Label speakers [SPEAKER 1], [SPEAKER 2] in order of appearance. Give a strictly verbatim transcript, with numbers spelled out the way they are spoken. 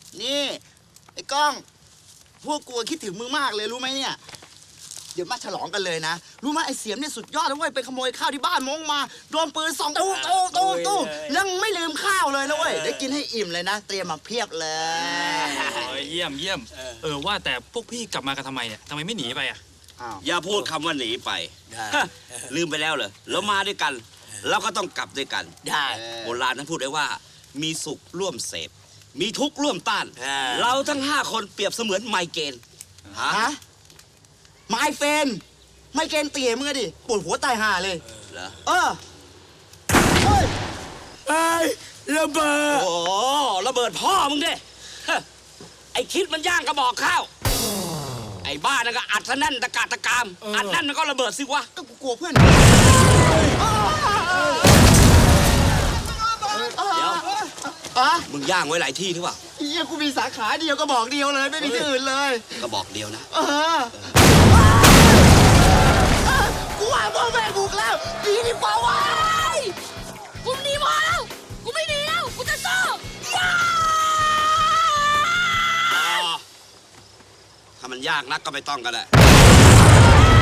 [SPEAKER 1] นี่ไอ้ก้องพวกกูคิดถึงมึงมากเลยรู้ไหมเนี่ยเดี๋ยวมาฉลองกันเลยนะรู้ไหมไอ้เสียมเนี่ยสุดยอดเลยเว้ยไปขโมยข้าวที่บ้านมงมาโดนปืนสองตู้ตู้ตู้ตู้ยังไม่ลืมข้าวเลยนะเว้ยได้กินให้อิ่มเลยนะเตรียมมาเพียบเลย
[SPEAKER 2] เยี่ยมเยี่ยมเออว่าแต่พวกพี่กลับมากันทำไมเนี่ยทำไมไม่หนีไปอ่ะ
[SPEAKER 3] อย่าพูดคำว่าหนีไปลืมไปแล้วเหรอแล้วมาด้วยกันแล้วก็ต้องกลับด้วยกัน
[SPEAKER 1] ได้
[SPEAKER 3] โบราณนั้นพูดได้ว่ามีสุขร่วมเสพมีทุกข์ร่วมต้านเราทั้งห้าคนเปรียบเสมือนไมเกรน
[SPEAKER 1] ฮะไมเฟนไมเกรนเตี๋ยมึงอะดิปวดหัวตายห่าเลย
[SPEAKER 3] เหรอ
[SPEAKER 1] เออเฮ้ย
[SPEAKER 3] ไอ้ระเบิดโอ้ระเบิดพ่อมึงดิไอ้คิดมันย่างกระบอกข้าวไอ้บ้านั่นก็อัดซะแน่นตะกาตะกามอัดแน่นมันก็ระเบิดสิวะ
[SPEAKER 1] ก็กูกลัวเพื่อน
[SPEAKER 3] เดี๋ยว
[SPEAKER 1] อะ
[SPEAKER 3] มึงย่างไว้หลายที่หรือเปล่า
[SPEAKER 1] เฮียกูมีสาขาเดียวก็บอกเดียวเลยไม่มีที่อื่นเลย
[SPEAKER 3] ก็บอกเดียวนะ
[SPEAKER 1] เออกูว่าพ่อแม่บุกแล้วดีดีกว่าว้าย
[SPEAKER 4] กูหนีพอแล้วกูไม่หนีแล้วกูจะสู้
[SPEAKER 3] ถ้ามันยากนักก็ไม่ต้องกันแหละ